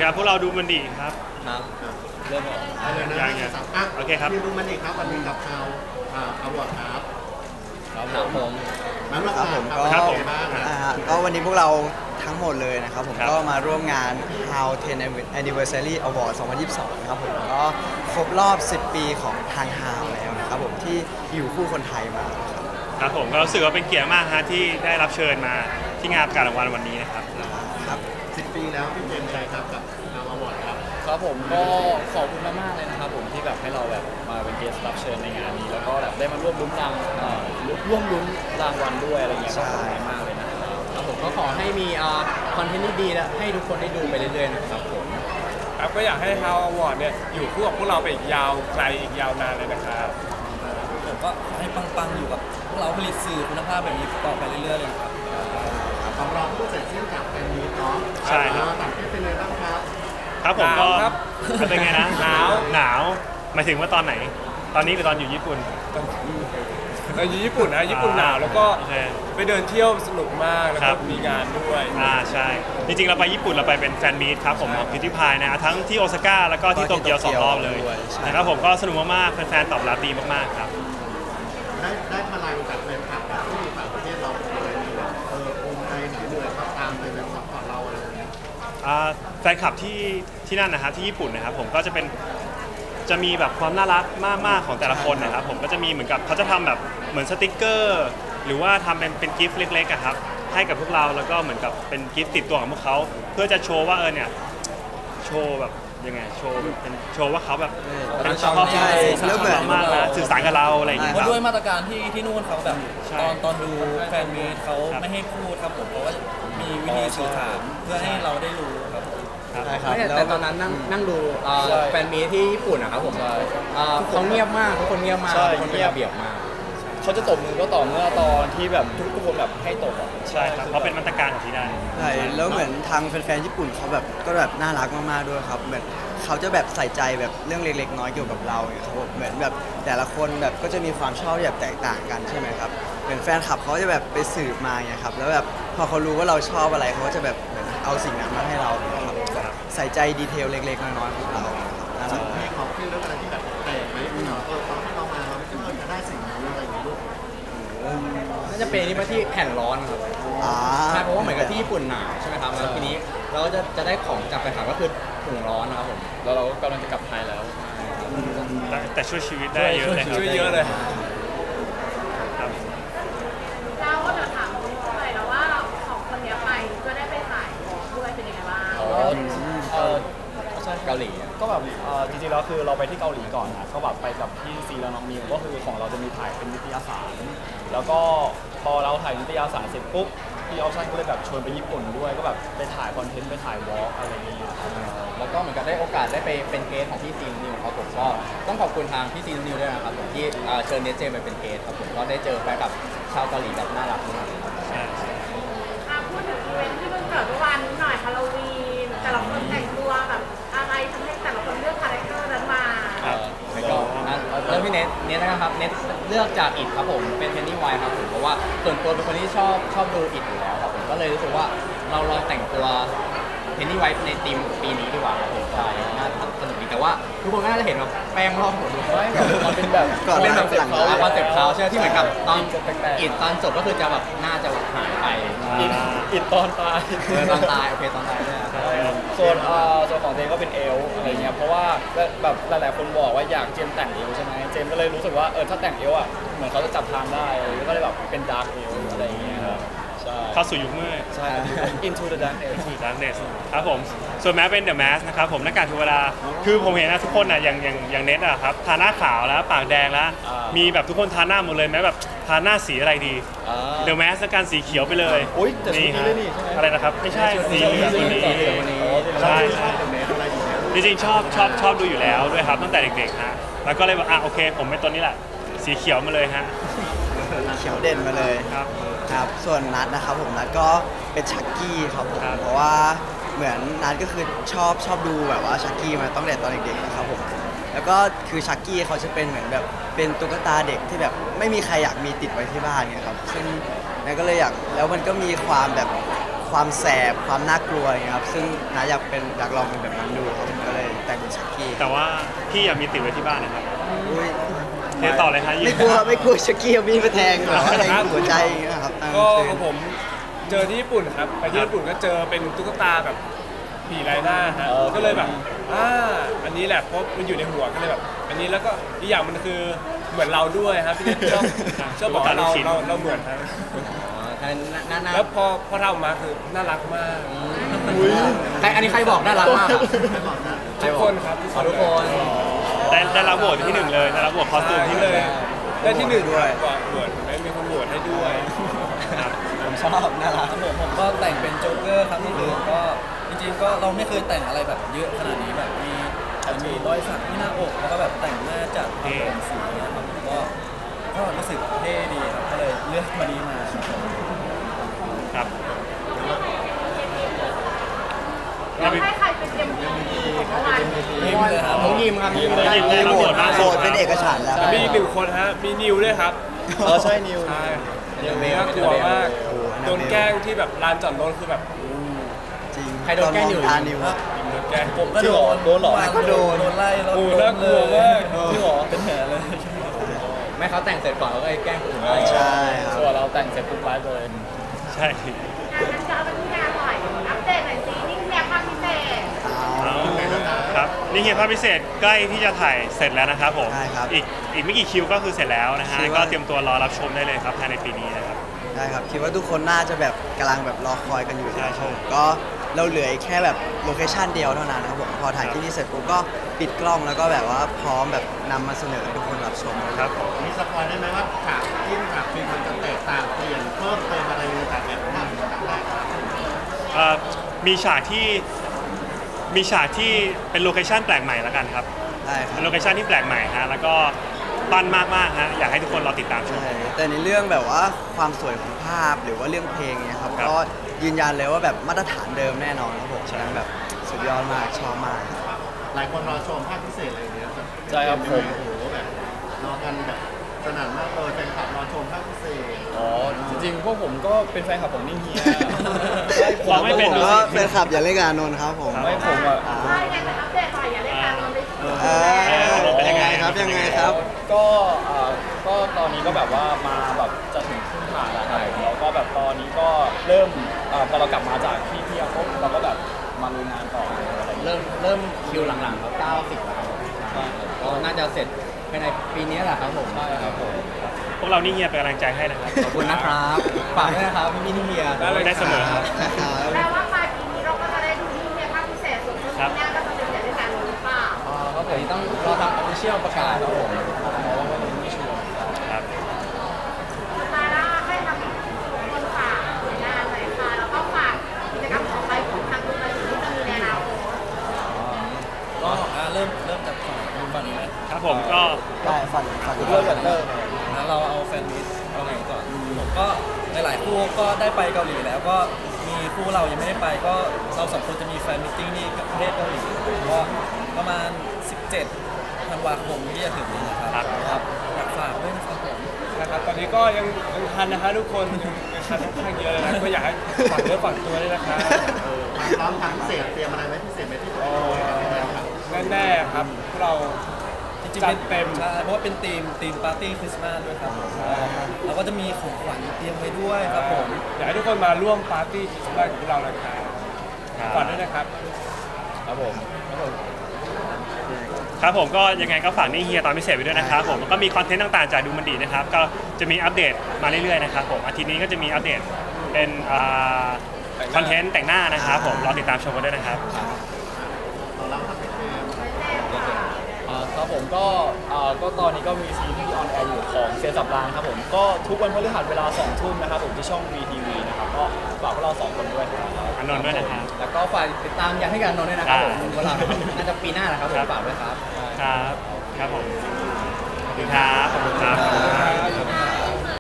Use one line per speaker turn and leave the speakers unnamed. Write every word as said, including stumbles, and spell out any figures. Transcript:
ดีครับพวกเราดูมันดีครับ
ครับเริ่มออก
อะไรนะ
ยังยัง
อ่ะ
โอเคครับ
มีดูมันอีกครับวันนี้กับข่าวอ่าอวอร์ดครับ
ครับผม
นั้นเรา
ครับผม
ข่าว
ก็
ครับผม
เป็นไงบ้าง
อ่าก็วันนี้พวกเราทั้งหมดเลยนะครับผม
ครับ
ก็มาร่วมงาน How เท็น Anniversary Award สองพันยี่สิบสองนะครับผมก็ครบรอบ สิบ ปีของทาง How แล้วนะครับผมที่อยู่คู่คนไทยมาครับ
ครับผมก็รู้สึกว่าเป็นเกียรติมากฮะที่ได้รับเชิญมาที่งานประกาศรางวัลวันนี้นะครับ
ครับ
สิบปีแล้วพี่เจมส์ใจครับกับข่าวอวอร์ดครับ
ครับผมก็ขอบคุณมากๆเลยนะครับผมที่แบบให้เราแบบมาเป็นเกสต์รับเชิญในงานนี้แล้วก็แบบได้มาร่วมลุ้นรางเอ่อร่วมลุ้นรางวัลด้วยอะไรเงี้ยก็ขอบคุณมากเลยนะครับครับผมก็ขอให้มีคอนเทนต์ดีๆและให้ทุกคนได้ดูไปเรื่อยๆนะครับผม
ครับก็อยากให้ How Award เนี่ยอยู่คู่กับพวกเราไปอีกยาวไกลอีกยาวนานเลยนะครับ
ผมก็ให้ปังๆอยู่กับพวกเราผลิตสื่อคุณภาพแบบนี้ต่อไปเรื่อยๆเลยครับ
ของเราเพิ่งเสร็จสิ้นจากแฟนมีตเนาะ
ใช่ครับ
อ่าต่างประเทศเป็นไงบ้างครับ
ครับผมก็
หนาวครับ
เป็นไงนะ
หนาว
หนาวหมายถึงว่าตอนไหน ตอนนี้หรือตอนอยู่ญี่ปุ่น
เราอยู่ญี่ปุ่นนะญี่ปุ่นหนาวแล้วก็
โอเค
ไปเดินเที่ยวสนุกมากแล้ว
ครั
ก็
บ
มีงานด้วย
อ่าใช่ จริงๆ เราไปญี่ปุ่นเราไปเป็นแฟนมีตครับผมของพิวตี้พายนะทั้งที่โอซาก้าแล้วก็ที่โตเกียวสองรอบเลย
ด้วยใช่
นะครับผมก็สนุกมากๆแฟนๆตอบรับดีมากๆครับ
ได้ได้พลังจากแฟนคลับแบบที่ต่างประเทศเราเลยมีแบบเออภูมิใจหน่อยเหนื่อยก็ตามไปแบบซัพพอร์ตเราอะไรอย่างเงี้ย
อ่าแฟนคลับที่ที่นั่นนะครับที่ญี่ปุ่นนะครับผมก็จะเป็นจะมีแบบความน่ารักมากๆของแต่ละคนนะครับผมก็จะมีเหมือนกับเขาจะทำแบบเหมือนสติกเกอร์ หรือว่าทำเป็นเป็นกิฟต์เล็กๆอะครับให้กับพวกเราแล้วก็เหมือนกับเป็นกิฟต์ติดตัวของพวกเขาเพื่อจะโชว์ว่าเออเนี่ยโชว์แบบยังไงโชว์แบบเป็นโชว์ว่าเขาแบบเป็นชอบ
ใช่แล้วเหมือน
มากนะสื่อสารกับเราอะไรอย่างเงี้ย
เพ
ค
ราะ
รับ
ด้วยมาตรการที่ที่นู่นเขาแบบ
ใช่
ตอนตอนดูแฟนมีตเขา
ครับ
ไม่ให้พูดครับผมเพราะว่ามีวิธีสื่อสารเพื่อให้เราได้รู้ครับผม
ครับ
ใช่ครับ
ไม่
แล้ว
แต่ตอนนั้นนั่งนั่งดูเอ่อ
ใช่
แฟนมีตที่ญี่ปุ่นนะครับผม
ใช่
เอ่อเขาเงียบมากทุกคนเงียบมาก
ใช่
ทุกคนเป็น
เงียบ
ระเบียบมาก
เขาจะตบมือก็ต่อเมื่อตอนที่แบบทุกๆคนแบบให้ตบอ่ะ
ใช่ครับเพราะเป็นมาตรการของที่นั่น
ใช่แล้วเหมือนทางแฟนๆญี่ปุ่นเขาแบบก็แบบน่ารักมากๆด้วยครับเหมือนเขาจะแบบใส่ใจแบบเรื่องเล็กๆน้อยเกี่ยวกับเราเนี่ยครับผมเหมือนแบบแต่ละคนแบบก็จะมีความชอบที่แบบแตกต่างกันใช่ไหมครับเหมือนแฟนคลับเขาจะแบบไปสืบมาไงครับแล้วแบบพอเขารู้ว่าเราชอบอะไรเขาก็จะแบบเหมือนเอาสิ่งนั้นมาให้เราเนี่ยครับแบบใส่ใจดีเทลเล็กๆน้อยๆของเราน่ารัก
มีของที่เรื่องอะไรที่แบบแปลกไหมที่เราเออตอนที่เรามาเราไม่คิดว่าเราจะได้สิ่งนี้อะไรอย่างเงี้ยลูก
น่าจะเป็นนี่มาที่แผ่นร้อนครับ
อ่า
ใช่เพราะว่าเหมือนกับที่ญี่ปุ่นหนาวใช่ไหมครับแล้วทีนี้เราก็จะจะได้ของจากแฟนคลับก็คือถุงร้อนนะครับผม
แล้วเราก็กำลังจะกลับไทยแล้ว
แต่แต่ช่วยชีวิตได้เยอะเลยครับ
ช่วยเยอะเลย
ครับ
เราก็จะถามหน่อยแล้วว่าสองคนเนี้ยไปก็ได้ไปถ่ายของด้วยเป็นยังไงบ้าง
อ๋อเออใช่
เกาหลีอะ
ก็แบบเอ่อจริงๆแล้วคือเราไปที่เกาหลีก่อนนะก็แบบไปกับพี่ซีและน้องมิวก็คือของเราจะมีถ่ายเป็นนิตยสาร แล้วก็พอเราถ่ายนิตยสารเสร็จปุ๊บพี่ออปชั่นก็เลยแบบชวนไปญี่ปุ่นด้วยก็แบบไปถ่ายคอนเทนต์ไปถ่ายวอล์กอะไรอย่างเงี้ยครับ
แล้วก็เหมือนกับได้โอกาสได้ไปเป็นเกสของพี่ซีนนิวครับผมก็ต้องขอบคุณทางพี่ซีนนิวด้วยนะครับผมที่เอ่อเชิญเนสเจมไปเป็นเกสครับผมก็ได้เจอแฟนกับชาวเกาหลีแบบน่ารักมากครับ
ใช่
อ่ะพูดถึงอีเวนท์ที่เพิ่งเกิดเมื่อวานนี้หน่อยฮาโลวีนแต่ละคนแต่งตัวแบบอะไรทำให้แต่ละคนเลือกคาแรคเตอร์นั้นมา
ครับ
แล้วก็อ่ะเริ่มที่เนทเนทนะครับเนทเลือกจากอิดครับผมเป็นเพนนี่ไวท์ครับผมเพราะว่าส่วนตัวเป็นคนที่ชอบชอบดูอิดอยู่แล้วครับผมก็เลยรู้สึกว่าเราลองแต่งตัวเพนนี่ไวท์ในทีมปีนี้ดีกว่าครับผมใช่น่าสนุกดีแต่ว่าทุกคนก็น่าจะเห็นแบบแป้งรอบหัวดูเพราะว่าแบบมันเป็นแบบ
ก่อน
มันเป็นแบบ
หลัง
เขาคอนเซ็ปต์เขาใช่ไหมที่เหมือนกับตอน
แปลกๆ
อิดตอนจบก็คือจะแบบน่าจะแบบหายไป
อิดอิดตอนตาย
เออตอนตายโอเคตอนตายด้วยอะ
ส่วนเอ่อส่วนของเจมก็เป็นเอลอะไรเงี้ยเพราะว่าแบบหลายๆคนบอกว่าอยากเจมแต่งเอลใช่ไหมเจมก็เลยรู้สึกว่าเออถ้าแต่งเอลอ่ะเหมือนเขาจะจับทางได้แล้วก็เลยแบบเป็นดาร์กเอลอะไรเงี้ยครับใช่
เข้าสู่ยุคมืด
ใช่ Into the Darkness
สู่ Darkness ครับผมส่วนแม้เป็น The Mask นะครับผมหน้ากากเทวดาคือผมเห็นนะทุกคนนะอย่างอย่างอย่างเน็ตอะครับทาหน้าขาวแล้วปากแดงแล้ว
อ่ามี
มีแบบทุกคนทาหน้าหมดเลยแม้แบบทาหน้าสีอะไรดี
อ่า
The Mask แล้วกันสีเขียวไปเลย
อุ๊ยแต่ชุดนี้ด้วยนี่ใช่ไหม
อะไรนะครับไม่ใช่สีเหลืองวันนี้
สีเหลืองวันนี้
ใช่
ชอบแบบไหนอะไรอย่างเงี้ย
จริงๆชอบชอบชอบดูอยู่แล้วด้วยครับตั้งแต่เด็กๆฮะแล้วก็เลยบอกอ่ะโอเค ผมเป็นตัวนี้แหละสีเขียวมาเลยฮะ
เขียวเด่นมาเลย
ครับ
ครับส่วนนัดนะครับผมนัดก็เป็นชักกี้ครับผม
ครับ
เพราะว่าเหมือนนัดก็คือชอบชอบดูแบบว่าชักกี้มาตั้งแต่ตอนเด็กๆนะครับผมแล้วก็คือชักกี้เขาจะเป็นเหมือนแบบเป็นตุ๊กตาเด็กที่แบบไม่มีใครอยากมีติดไว้ที่บ้านเนี่ยครับซึ่งนัดก็เลยอยากแล้วมันก็มีความแบบคความแสบความน่ากลัวอย่างเงี้ยครับซึ่งนาอยากเป็นอยากลองเป็นแบบนั้นดูครับผมก็เลยแต่งเป็นชักกี้
แต่ว่าพี่อยากมีติดไว้ที่บ้านนะครับ
อุ้ย
เทต่อเลยฮะ
ไม่กลัวไม่กลัวชักกี้เอามีดมาแทงหรออะไรหัวใจอย่างเงี้ยครับ
ก็
เออ
ของผมเจอที่ญี่ปุ่นครับไปที่ญี่ปุ่นก็เจอเป็นตุ๊กตาแบบผีลายหน้าฮะก็เลยแบบอ่าอันนี้แหละเพราะมันอยู่ในหัวก็เลยแบบอันนี้แล้วก็อีกอย่างมันคือเหมือนเราด้วยครับพี่เนทชอบชอบบอกว่าเราเราเราเหมือนครับ
อ๋อท่านน่าน่า
แล้วพอพอทำออกมาคือน่ารักมาก
ใครอันนี้ใครบอกน่ารักมากอะ
ทุกคนครับ
ขอทุกคน
ได้ได้รับโหวตที่หนึ่งเลยได้รับโหวตคอสตูมที่ห
เล
นึ่ง
ยได้ที่หนึ่งด้วยโหวตไม่มีคนโหวตให้ด้วย
ครับ
ผมชอบน่ารัก
ครับผมผมก็แต่งเป็นโจ๊กเกอร์ครับนี่คือก็จริงๆก็เราไม่เคยแต่งอะไรแบบเยอะขนาดนี้แบบมีมีรอยสักที่หน้าอกแล้วก็แบบแต่งหน้าจัดทำผมสีนะครับก็ก็รู้สึกเท่ดีครับก็เลยเลือกมานี้มาครับผม
ครับ
เราให้ใครเป็นเอ็มวีเมื่อวาน
ยิ้มเลยครับ
น้องยิมครับยิมเลย
ยิมได้รับโหวตมาก
โหวตเป็นเอกฉันท์แล้ว
แต่มีอีกหนึ่งคนฮะมีนิวด้วยครับ
เออใช่นิว
ใช่น่ากลัวมากโดนแกล้งที่แบบลานจอดรถคือแบบ
จริง
ใครโดนแกล้งอยู่
ตานิวอะ
โดนแกล้ง
ผมก็โดน
โดนเหรอ
วาง
ก็โดน
โดนไล่รถ
โอ้
ล้
น่ากลัวมาก
จริงเหรอเป็นแผลเลย
ไม่เขาแต่งเสร็จก่อนแล้วก็แกล้งคนอื่น
ใช่ครับ
ส่วนเราแต่งเสร็จปุ๊บไลฟ์เลย
ใช่
งานจะเอาเป็นที่งานหน่อยอัปเดตหน่อยสินี่คือแนวภาพพิเศษ
เอาครับนี่เฮียภาพพิเศษใกล้ที่จะถ่ายเสร็จแล้วนะครับผม
ใช่ครับ
อีกอีกไม่กี่คิวก็คือเสร็จแล้วนะฮะ
คิว
ก็
ว่า
เตรียมตัวรอรับชมได้เลยครับภายในปีนี้นะครับ
ใช่ครับคิดว่าทุกคนน่าจะแบบกำลังแบบรอคอยกันอยู่
ใช่
นะครับ
ใช่
ผมก็เราเหลืออีกแค่แบบโลเคชันเดียวเท่านั้นนะครับผมพอถ่ายที่นี่เสร็จปุ๊บก็ปิดกล้องแล้วก็แบบว่าพร้อมแบบนำมาเสนอให้ทุกคนรับชม
ครับผม
มีสปอยได้ไหมว่าฉากจิ้นฉากฟิล์มมันจะแตกต่างเปลี่ยนเพิ่มเติมอะไรในฉากแบบภาพฉากแรกครับ
เอ่อมีฉากที่มีฉากที่เป็นโลเคชันแปลกใหม่แล้วกันครับ
ได้ครั
เป็
บ
นโลเคชันที่แปลกใหม่ฮะแล้วก็ปั้นมากๆฮะอยากให้ทุกคนรอติดตามชม
ใช่แต่ในเรื่องแบบว่าความสวยของภาพหรือว่าเรื่องเพลงเนี่ยครับ
ครับ
ก็ยืนยันเลยว่าแบบมาตรฐานเดิมแน่นอนครับผม
ใช่
ฉะนั้นแบบสุดยอดมากชอบมาก
หลายคนรอชมภาคพิเศษอะไรอย่างเงี้ย
ใช่ครับผม
โอ้โหแบบรอกันแบบสนั่นมากเลยแฟนคลับรอชมภาคพิเศษ
อ๋อจริงๆพวกผมก็เป็นแฟนคลับของนิ่งเฮีย
เราไม่เป็น
ผม
ดู
ก็
สิ
แฟนคลับอย่าเล่นกับอานนท์ครับผม
ไม่ผมอ่ะ
ใช่ไงแต่อัปเดตหน่อยอย่าเล่นการนอนเลย
เออเป็นยังไงครับยังไงครับ
ก็เอ่อก็ตอนนี้ก็แบบว่ามาแบบจะถึงครึ่งทางแล้วครับแล้วก็แบบตอนนี้ก็เริ่มเอ่อพอเรากลับมาจากที่เที่ยวปุ๊บเราก็แบบมาลุยงานต่ออะไรเริ่มเริ่มคิวหลังๆครับเก้าสิบแล้วครับก็น่าจะเสร็จภายในปีนี้แหละครับผมใช่ครับผม
พวกเรานี่เฮียเป็นกำลังใจให้นะครับ
ขอบคุณนะครับฝากด้วยนะครับพี่พี่เฮีย
ได้เลย
ได้เสมอครับ
แปลว่าปลายปีนี้เราก็จะได้ดูที่เนี่ยภาพพิเศษส่วนช่วงปีหน้าก็จะเป็นอย่าเล่นการนอนหรือเปล่า
อ๋อครับผมต้องรอทางออฟฟิเชียลประกาศครับผมเพราะว่ามันไม่ชัวร์
ครับ
สุดท้ายแล้วให้ทางคนฝากผลงานหน่อยค่ะแล้วก็ฝากกิจกรรมต่อไปของทางคุณเลยที่จะมีในอนาคต
ก็อ่ะเริ่มเริ่มจากฝั่งคุณฝั่งนี้ไหม
ครับผมก็
ได้ฝันฝัน
เริ่มจากเริ่ม
งั้นเราเอาแฟนมิตเอาไหนก่อนผมก็หลายๆคู่ก็ได้ไปเกาหลีแล้วก็มีคู่เรายังไม่ได้ไปก็เราสองคนจะมีแฟนมิตติ้งที่ประเทศเกาหลีก็ประมาณ สิบเจ็ดธันวาคมที่จะถึงนี้นะครับ
ครับ
ครับอยากฝากด้วยนะครับผม
นะครับตอนนี้ก็ยังยังทันนะฮะทุกคนยังยังทันค่อนข้างเยอะเลยนะก็อยากให้ฝากเนื้อฝากตัวด้วยนะครับ
ความพร้อมทางพิเศษเตรียมอะไรไว้พิเศษไหมที่จะโชว์ให้แฟนคลับ
แน่ๆครับพวกเรา
จริง
จั
ๆ
ดเต็ม
ใช่เพราะว่าเป็นธีมธีมปาร์ตี้คริสต์มาสด้วยครับเราก็จะมีของขวัญเตรียมไว้ด้วยครับผม
อยากให้ทุกคนมาร่วมปาร์ตี้คริสต์มาสของพวกเรานะครับฝากด้วยนะครับ
ครับผมครับผม
ครับผมก็ยังไงก็ฝากนี่เฮียตอนพิเศษไปด้วยนะครับผมแล้วก็มีคอนเทนต์ต่างๆจากดูมันดีนะครับก็จะมีอัปเดตมาเรื่อยๆนะครับผมอาทิตย์นี้ก็จะมีอัปเดตเป็นคอนเทนต์แต่งหน้านะครับผมรอติดตามชมกันด้วยนะครับ
ของเราทำเป็นเกม
อ่าครับผมก็อ่าก็ตอนนี้ก็มีซีรีส์ออนแอร์อยู่ของเซียนสับรางครับผมก็ทุกวันพฤหัสเวลาสองทุ่มนะครับผมที่ช่อง วี ที วี นะครับก็ฝากพวกเราสองคนด้วยครับ
อานนท์ด้วยนะครับ
แล้วก็ฝากติดตามอยากให้กันนนท์ด้วยนะครับผม
อ่า
เวลาน่าจะปีหน้าแหละครับผม
ครับ
ฝากด้วยครับ
ครับครับผมขอบคุณครับขอบคุณครับ
ขอบคุณครับ